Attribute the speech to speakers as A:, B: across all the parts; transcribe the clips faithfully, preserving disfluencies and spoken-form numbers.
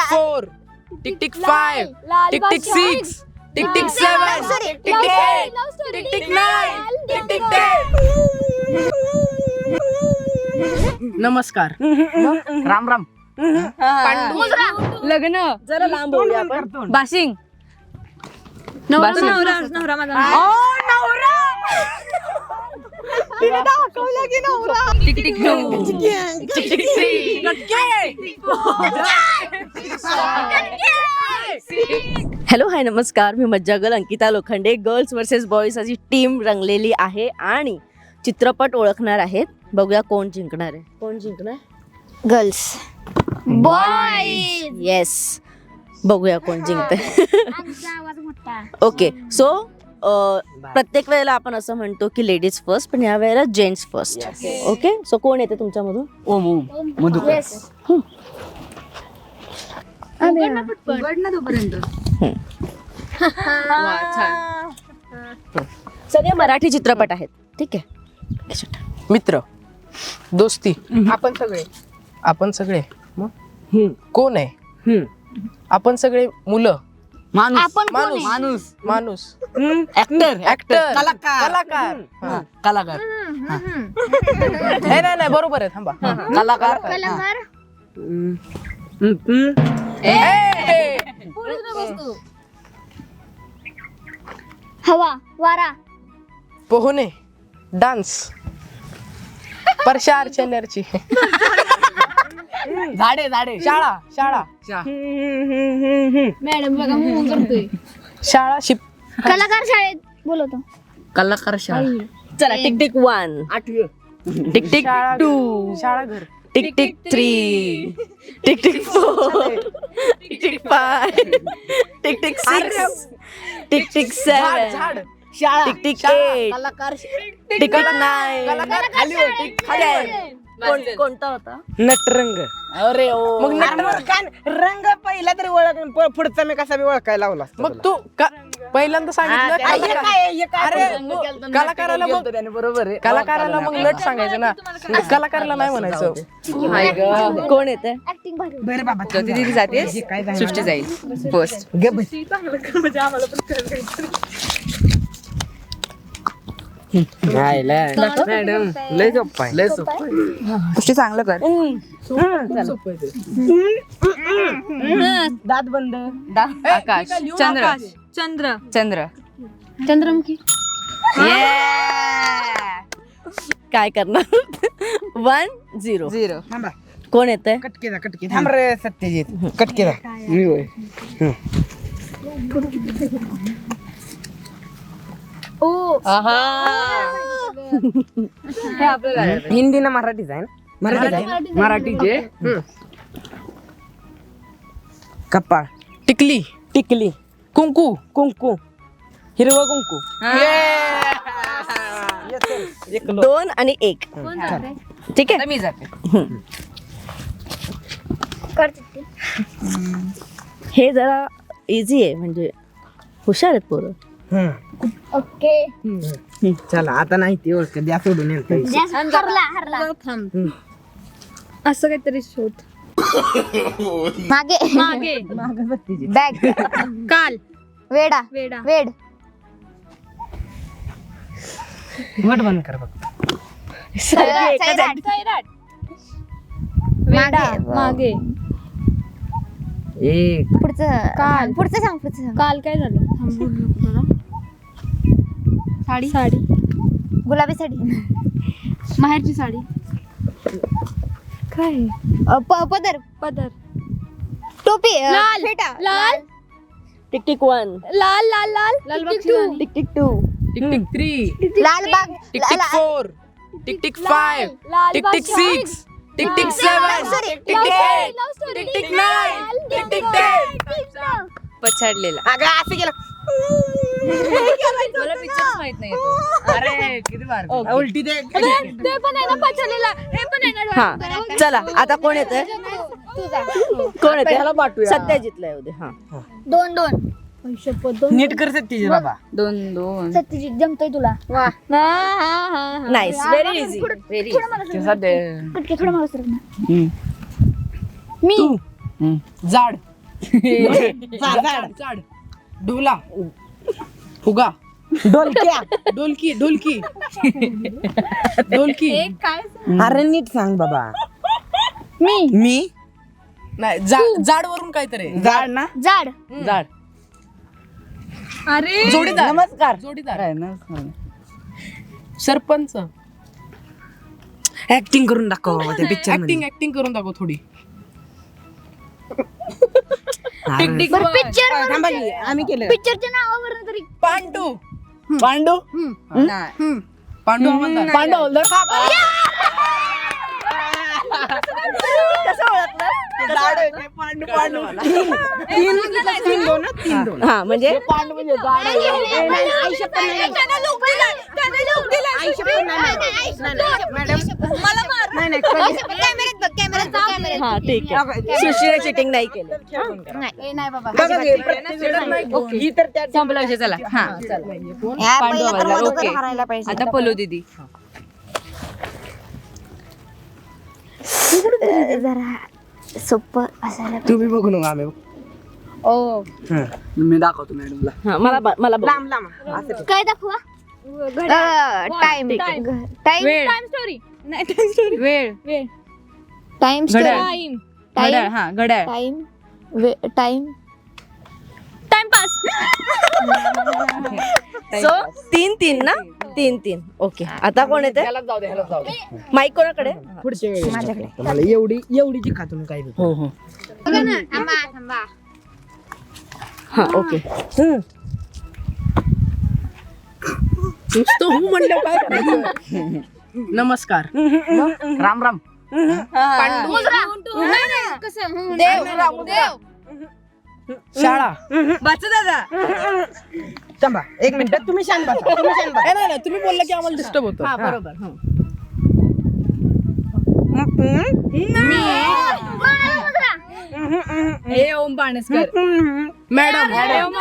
A: Four, tick tick five, tick tick six, tick tick seven, tick tick eight, tick tick nine, tick tick ten. नमस्कार.
B: राम राम.
C: लग्न
D: जरा लांब होऊया आपण.
C: बाशिंग
D: नवरा नवरा माझा. तिने दाखवलं की नवरा.
C: Tick tick two,
A: tick tick three,
D: hello hi नमस्कार, मी मज्जागल Ankita Lokhande. Girls versus boys अशी टीम रंगलेली आहे आणि चित्रपट ओळखणार आहेत. बघूया कोण जिंकणार आहे. कोण जिंकणार?
E: Girls boys.
D: येस, बघूया कोण जिंकते. ओके, सो प्रत्येक वेळेला आपण असं म्हणतो की लेडीज फर्स्ट, पण या वेळेला जेंट्स फर्स्ट. ओके, सो कोण येते तुमच्यामधून?
B: ओम ओम मधुकर.
D: सगळे मराठी चित्रपट आहेत. ठीक आहे.
A: मित्र, दोस्ती, आपण सगळे आपण सगळे मग कोण आहे? आपण सगळे मुलं,
B: माणूस
A: माणूस
B: माणूस
A: माणूस
B: ऍक्टर
A: ऍक्टर,
B: कलाकार
A: कलाकार. हा.
B: कलाकार
A: हे नाही नाही बरोबर आहे. थांबा.
B: कलाकार
E: कलाकार.
A: ए!
E: हवा वारा.
A: पोहणे, डान्स, परशा अर्चनरची,
B: झाडे झाडे
A: शाळा शाळा
E: मॅडम बघा मूव करतोय.
A: शाळा शिप.
E: कलाकार शाळेत बोलवतो.
B: कलाकार शाळा.
D: चला, tick tick one, tick tick
A: शाळा
D: टू,
A: शाळा घर,
D: tick tick three, tick tick four, tick tick five, tick tick six, tick tick
A: झाड
D: सेवन,
A: झाड
B: शाळा
D: टिक टिक
A: शाळा.
D: एट,
B: कलाकार
D: टिक टिक नाईन.
A: कलाकार खाली हो, टिक खाली आहे.
D: कोण- कोणता होता?
B: नटरंग. अरे ओ
A: मग नटरंग.
F: रंग पहिला तरी ओळख प- पुढचा मी कसा बी ओळखायला लावला असता
A: मग
F: तुला.
A: तू का- पहिल्यांदा सांगितलं
F: हा, हे
A: कलाकार.
F: काय- हे काय
A: अरे
F: रंग केलता, मी
A: कलाकाराला
F: नाटक
A: मग
F: केलतं त्याने, बरोबर आहे.
A: कलाकाराला मग नट सांगायचं ना, कलाकाराला नाही म्हणायचं.
D: कोण येते?
E: ऍक्टिंग भारी.
F: बरं बाबा
C: ज्योती दिदी जाते,
F: हे काय जाणार?
C: सृष्टी जाईल फर्स्ट.
F: गे बस. नाही, लय. मॅडम लय सोपं आहे. लय सोपं आहे.
C: सृष्टी चांगलं कर.
F: दात बंद.
C: आकाश, चंद्र
D: चंद्र.
C: चंद्र
E: चंद्रमुखी.
D: काय करणार? One zero.
C: झिरो.
F: थांबा.
D: कोण येते?
F: कटके जा कटके थांब रे सत्यजित. कटके जा. मी होय.
E: ओ
F: हिंदी ना मराठीच आहे ना? मराठीच आहे. मराठीचे कपाळ,
A: टिकली,
F: टिकली,
A: कुंकू,
F: कुंकू, हिरवं कुंकू.
D: दोन आणि एक. ठीक आहे.
C: मी जाते.
E: करते.
D: हे जरा इझी आहे, म्हणजे हुशार आहेत पोरं.
F: हम्म.
E: ओके.
F: चला आता नाही ती ओळख द्या सोडून येतं.
E: हरला हरला.
C: असं काहीतरी शोध.
E: मागे
C: मागे
E: बॅग.
C: काल
E: वेडा
C: वेडा
E: वेड.
F: वट बंद कर बघ.
E: सैराट. मागे
C: मागे
F: एक
E: पुढचं
C: काल.
E: पुढचं सांग पुढचं सांग.
C: काल काय झालं? साडी साडी
E: गुलाबी साडी.
C: माहेरची साडी. काय
E: अ, प- पदर
C: पदर.
E: टोपी अ,
C: लाल.
E: फेटा
C: लाल
D: टिक टिक वन,
C: लाल लाल लाल
E: लालबागची राणी.
D: Tick tick two,
A: tick tick three,
E: Lalbaug.
A: Tick tick four, tick tick five, tick tick six, tick tick seven, tick tick eight, tick tick nine, tick tick ten.
C: पछाडलेला.
F: अगं असं केलं.
C: मला पिक्चरच माहित नाही तो.
F: अरे किती बार उलटी दे.
C: ते पण आहे ना पछाडलेला. हे पण आहे ना.
D: हा. चला, आता कोण येते?
E: तुझा.
D: कोण येते?
F: ह्याला पाठवूया.
D: सत्यजितला येऊ दे. हा.
E: दोन दोन.
F: नीट कर सत्यजित बाबा.
C: दोन दोन.
E: सत्यजित जमतोय तुला. वा.
D: Nice, very easy.
C: व्हेरी.
E: कटके थोडं मागं सरक ना. मी
A: जाड, झाड ढोला फुगा
B: डोलक्या
A: ढोलकी ढोलकी ढोलकी
B: अरे नीट सांग बाबा.
E: मी
B: मी
A: नाही जा- जाड वरून काहीतरी आहे.
B: झाड ना.
E: झाड
B: झाड.
C: अरे
A: जोडीदार
B: नमस्कार.
A: जोडीदार सरपंच
B: ऍक्टिंग करून दाखव बाबा त्या पिक्चर
A: ऍक्टिंग ऍक्टिंग करून दाखव थोडी
E: पिक्चर
B: आम्ही केलं.
E: पिक्चरच्या नावावरून तरी
A: पांडू
B: पांडू
A: पांडू हवालदार.
B: पांडू हवालदार.
D: कसं ओळखलं?
B: पांडू पांडू तीन तीन दोन ना, तीन दोन.
D: हा म्हणजे
B: पांडू म्हणजे झाड आहे. ए, नाही, नाही, आई शपथ नाही, नाही. आई शपथ नाही, नाही. नाही, नाही, मॅडम. नाही, नाही,
E: कॅमेऱ्यात बघ कॅमेऱ्यात बघ कॅमेऱ्यात
D: हा ठीक आहे. सृष्टीने चिटिंग नाही केलं.
E: नाही नाही बाबा
B: बघा घे, प्रत्येक- ही तर त्या
C: संपला विषय. चला हा पांडू हवालदार. ओके आता पलो दीदी.
E: जरा सोपं असायला
B: तुम्ही बघू नका आम्ही बघू.
E: ओ
B: मी दाखवतो मॅडमला.
D: हा, मला ब- मला बघ.
B: लांब लांब असं.
E: काय दाखवा टाइम टाइम
C: वेळ.
E: टाइम स्टोरी
C: वेळ
E: टाइम
C: घड्याळ.
E: टाइम
C: घड्याळ. हा घड्याळ.
E: Time time time pass
D: so तीन तीन ना तीन तीन ओके. आता कोण येते?
B: ह्यालाच जाऊ दे, ह्यालाच जाऊ दे.
D: माईक कोणाकडे?
B: पुढच्या वेळी मला एवढी एवढीची खा तुम्ही काय देतो.
D: हो हो
E: थांबा थांबा
D: हा ओके.
A: नुसतं हू म्हणलं काय करायचं. नमस्कार
B: राम राम.
E: देव देव
A: शाळा
C: वाचा दादा.
B: थांबा एक मिनिट तुम्ही शांत बसा. तुम्ही शांत बसा.
A: ए, नाही नाही तुम्ही बोलला की आम्हाला डिस्टर्ब होतं.
D: हा बरोबर. हं.
C: हे ओम पाणसकर.
A: मॅडम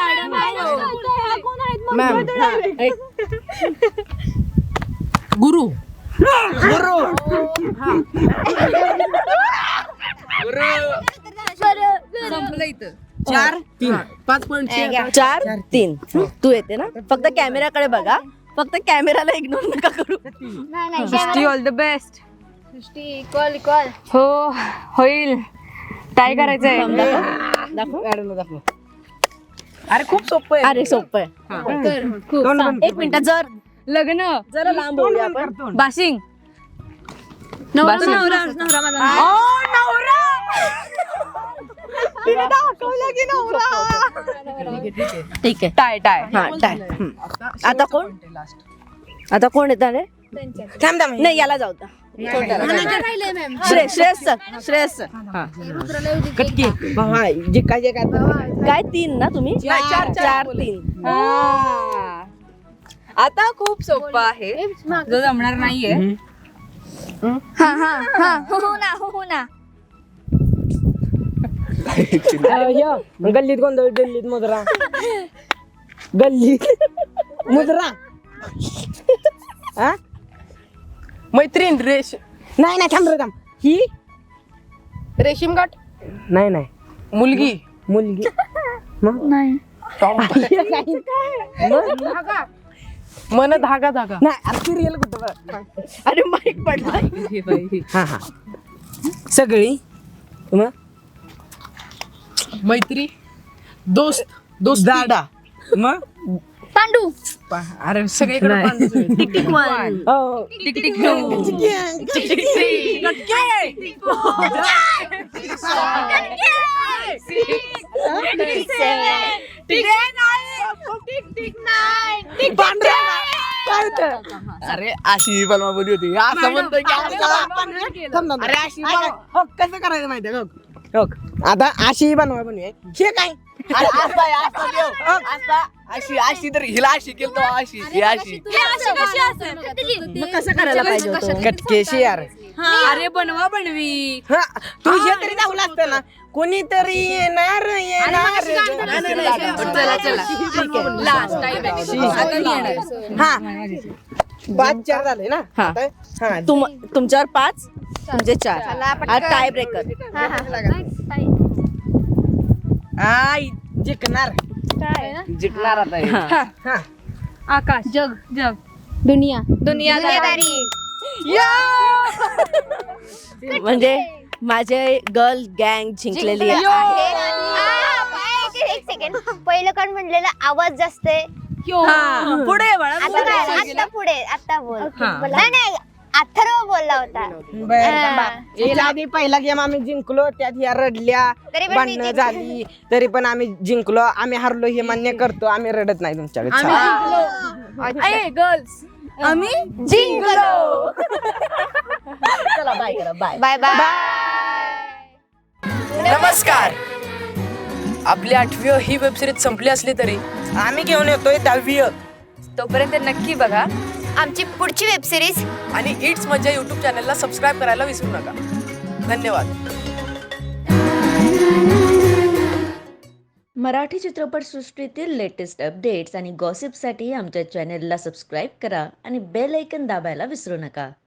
A: मॅम गुरु
B: गुरु
C: संपलं इथं.
B: चार
A: तीन पाच पॉईंट
D: चार तीन तू येते ना. फक्त कॅमेराकडे बघा. फक्त कॅमेराला इग्नोर नका करू.
E: नाही नाही
C: Srushti all the best.
E: Srushti call call
C: हो होईल. काय करायचंय?
D: दाखव.
B: मॅडमला दाखव.
A: अरे खूप सोपं आहे.
D: अरे सोपं आहे.
B: दोन पण-
D: एक मिनिट जर
C: लग्न.
D: जरा लांब बोलूया आपण.
C: बाशिंग. बाशिंग. नवरा नवरा माझा.
D: ठीक आहे.
C: Tie tie.
D: हा टाय. हं. आता कोण? आता कोण येत आहे?
B: थांब थांब.
D: नाही याला जाऊ द्या. Shreyas Shreyas sir Shreyas sir. हा
B: कटकी बाबा जे काय जे काय
D: काय तीन ना तुम्ही? चार चार तीन.
C: हा. आता खूप सोपं आहे. जो जमणार नाहीये.
E: हा हा हा हो ना हो ना
B: गल्लीत गोंधळ गल्लीत मुद्रा गल्लीत मुद्रा. हा
A: मैत्रीण रेश
B: नाही नाही थांब रे थांब. ही
A: रेशीम गाठ
B: नाही नाही
A: मुलगी
B: मुलगी मग
E: नाही
A: मन धागा धागा
B: नाही सिरियल कुठं.
D: अरे माईक पडला.
B: हा हा सगळी मग
A: मैत्री दोस्त दोस्त
B: दादा मग
E: पांडू
A: अरे सगळीकडे पांडूच आहे.
D: Tick tick one.
B: हो
C: tick tick two.
D: Tick tick three.
B: अरे अशी बलमा बोली होती असं म्हणतोय की असं- थांब थांब. अरे अशी बनवा- हो, कसं करायचं माहितीये का? हो, आता अशी बनवा बनवूया. हे काय अरे असं आहे, असं देव. हो, असं. अशी अशी तर हिला अशी केलं तर अशी ही अशी
D: मग कसं करायला पाहिजे होतं?
B: कटकेशी यार.
C: अरे बनवा बनवी.
B: हा, तू हे तरी दाखवलं असतं ना. कोणीतरी येणार येणार
C: चला चला. लास्ट टाइम आता मी येणार.
B: हा पाच चार झाले ना.
D: हा.
B: आता- हा
D: तुम तुमच्यावर पाच तुमचे चार. हा टाय ब्रेकर.
B: आई जिंकणार
F: जिंकणार आता हे.
D: हा.
B: हा
C: आकाश जग जग
E: दुनिया
C: दुनियादारी
D: म्हणजे माझे गर्ल गँग जिंकलेली आहे.
E: एक सेकंड पहिलं कोण म्हणलेलं आवाज जास्त आहे
D: हा, पुढे ये बाळा,
E: आता
D: पुढे
E: काय
D: ये.
E: आता पुढे आता बोल
B: हा.
E: नाही नाही अथर्व बोलला होता
B: बरं थांबा. याच्या आधी पहिला गेम आम्ही जिंकलो त्यात या रडल्या
E: तरी पण मी
B: भांडणं
E: जिंकले.
B: झाली तरी पण आम्ही जिंकलो आम्ही हरलो हे मान्य करतो आम्ही रडत नाही तुमच्याकडे चला.
C: गर्ल्स
D: आम्ही
E: जिंकलो
D: चला बाय करा बाय
E: बाय बाय
A: नमस्कार. आपली आठवी ही वेबसिरीज संपली असली तरी
B: आम्ही घेऊन येतोय दहावी
C: तोपर्यंत नक्की बघा
E: आमची पुढची वेब सिरीज
A: आणि इट्स मज्जा युट्यूब चॅनलला सबस्क्राईब करायला विसरू नका. धन्यवाद.
D: मराठी चित्रपटसृष्टीतील लेटेस्ट अपडेट्स आणि गॉसिपसाठी आमच्या चॅनेलला सबस्क्राईब करा आणि बेल ऐकन दाबायला विसरू नका.